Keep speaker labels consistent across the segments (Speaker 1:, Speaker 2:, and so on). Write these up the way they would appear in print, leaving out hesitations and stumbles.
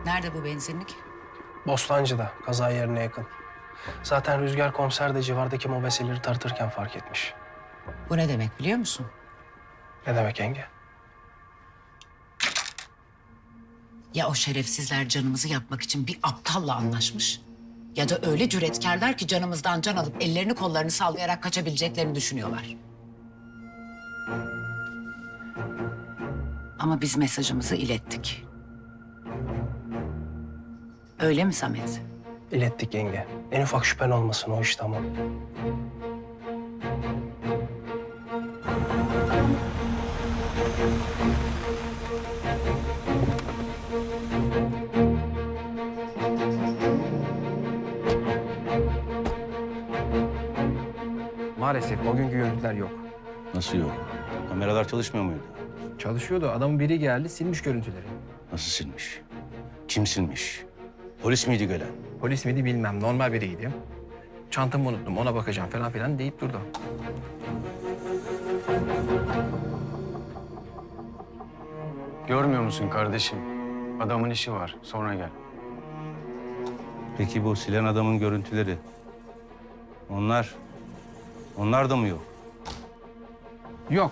Speaker 1: Nerede bu benzinlik?
Speaker 2: Bostancı'da, kaza yerine yakın. Zaten Rüzgar komiser de civardaki mobeseleri tartırken fark etmiş.
Speaker 1: Bu ne demek biliyor musun?
Speaker 2: Ne demek yenge?
Speaker 1: Ya o şerefsizler canımızı yakmak için bir aptalla anlaşmış... ...ya da öyle cüretkarlar ki canımızdan can alıp ellerini kollarını sallayarak kaçabileceklerini düşünüyorlar. Ama biz mesajımızı ilettik. Öyle mi Samet?
Speaker 2: İlettik yenge. En ufak şüphen olmasın, o iş tamam.
Speaker 3: Maalesef o günkü görüntüler yok.
Speaker 4: Nasıl yok? Kameralar çalışmıyor muydu?
Speaker 3: Çalışıyordu. Adamın biri geldi, silmiş görüntüleri.
Speaker 4: Nasıl silmiş? Kim silmiş? Polis miydi gelen?
Speaker 3: Polis miydi bilmem. Normal biriydi. Çantamı unuttum, ona bakacağım falan filan deyip durdu.
Speaker 5: Görmüyor musun kardeşim? Adamın işi var. Sonra gel.
Speaker 4: Peki bu silen adamın görüntüleri? Onlar da mı yok?
Speaker 3: Yok.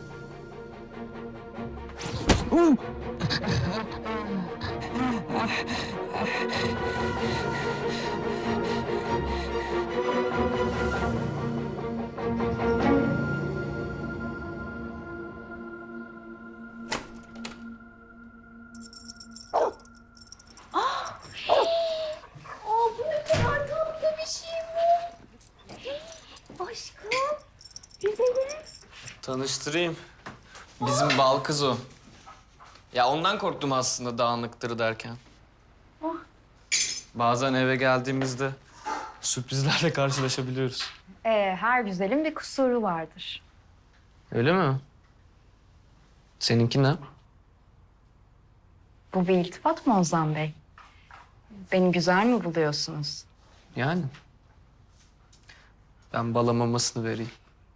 Speaker 6: Bu ne kadar tatlı bir şey bu. Aşkım, güzelim.
Speaker 7: Tanıştırayım. Bizim bal kız o. Ya ondan korktum aslında dağınıktır derken. Bazen eve geldiğimizde sürprizlerle karşılaşabiliyoruz.
Speaker 6: Her güzelin bir kusuru vardır.
Speaker 7: Öyle mi? Seninki ne?
Speaker 6: Bu bir iltifat mı Ozan Bey? Beni güzel mi buluyorsunuz?
Speaker 7: Yani. Ben bala mamasını vereyim.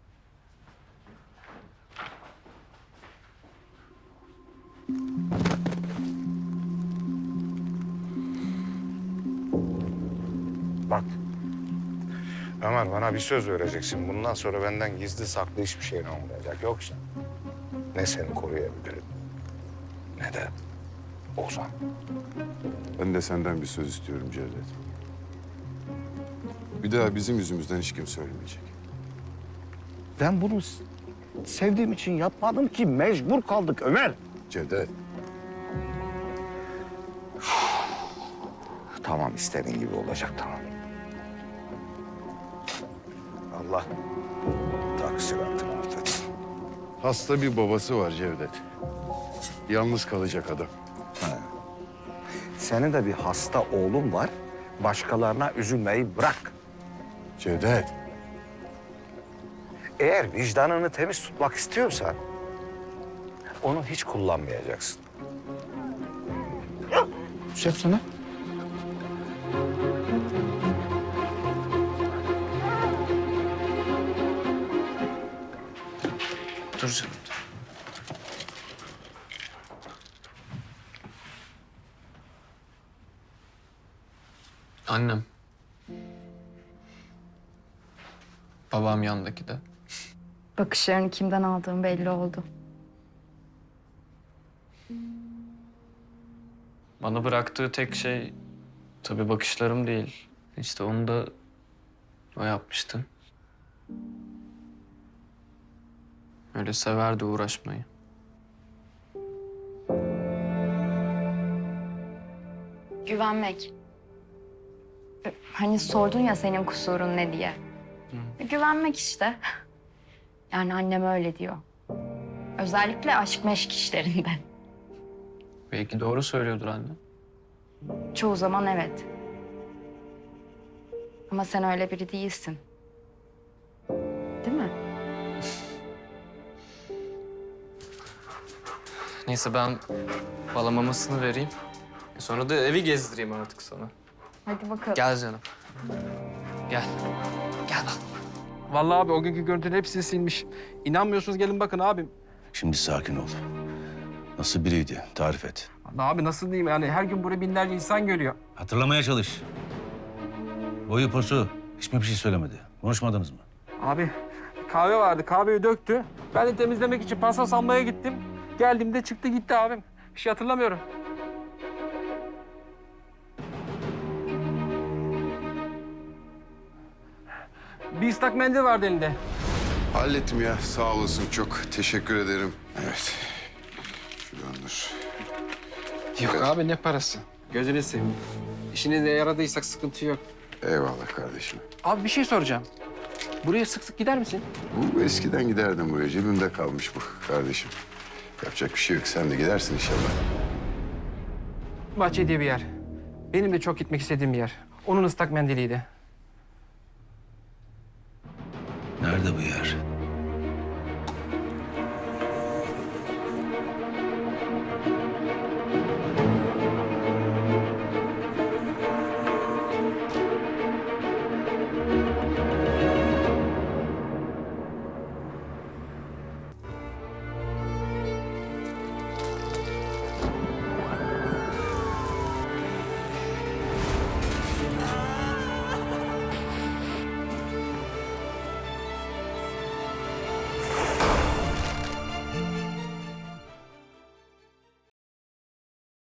Speaker 8: Bak. Ömer, bana bir söz vereceksin. Bundan sonra benden gizli saklı hiçbir şeyin olmayacak. Yoksa ne seni koruyabilirim ne de Ozan.
Speaker 9: Ben de senden bir söz istiyorum Cevdet. Bir daha bizim yüzümüzden hiç kimse ölmeyecek.
Speaker 8: Ben bunu sevdiğim için yapmadım ki. Mecbur kaldık Ömer.
Speaker 9: Cevdet,
Speaker 8: Tamam, istediğin gibi olacak, tamam. Allah taksiratını artırsın.
Speaker 9: hasta bir babası var Cevdet. Yalnız kalacak adam.
Speaker 8: Senin de bir hasta oğlun var. Başkalarına üzülmeyi bırak.
Speaker 9: Cevdet,
Speaker 8: Eğer vicdanını temiz tutmak istiyorsan onu hiç kullanmayacaksın. Şef sana.
Speaker 7: Dur canım. Annem. Babam yandaki de.
Speaker 6: Bakışlarını kimden aldığım belli oldu.
Speaker 7: Bana bıraktığı tek şey tabii bakışlarım değil. İşte onu da o yapmıştı. Öyle severdi uğraşmayı.
Speaker 6: Güvenmek. Hani sordun ya senin kusurun ne diye. Güvenmek işte. Yani annem öyle diyor. Özellikle aşk meşk işlerinde.
Speaker 7: Belki doğru söylüyordur anne.
Speaker 6: Çoğu zaman evet. Ama sen öyle biri değilsin. Değil mi?
Speaker 7: Neyse ben bala mamasını vereyim. Sonra da evi gezdireyim artık sana.
Speaker 6: Hadi bakalım.
Speaker 7: Gel canım. Gel. Gel bak.
Speaker 3: Vallahi abi o günkü görüntünün hepsini silmiş. İnanmıyorsunuz gelin bakın abi.
Speaker 4: Şimdi sakin ol. Nasıl biriydi? Tarif et.
Speaker 3: Abi nasıl diyeyim yani her gün buraya binlerce insan geliyor.
Speaker 4: Hatırlamaya çalış. Boyu posu hiç mi bir şey söylemedi? Konuşmadınız mı?
Speaker 3: Abi kahve vardı, kahveyi döktü. Ben de temizlemek için paspas almaya gittim. Geldiğimde çıktı gitti abim. Bir şey hatırlamıyorum. Bir ıslak mendil vardı elinde.
Speaker 9: Hallettim ya. Sağ olasın çok. Teşekkür ederim. Evet. Şuradan dur.
Speaker 3: Yok abi ne parası? Gözünü seveyim. İşinize yaradıysak sıkıntı yok.
Speaker 9: Eyvallah kardeşim.
Speaker 3: Abi bir şey soracağım. Buraya sık sık gider misin?
Speaker 9: Bu eskiden giderdim buraya. Cebimde kalmış bu kardeşim. Yapacak bir şey yok. Sen de gidersin inşallah.
Speaker 3: Bahçe diye bir yer. Benim de çok gitmek istediğim bir yer. Onun ıslak mendiliydi.
Speaker 4: Nerede bu yer?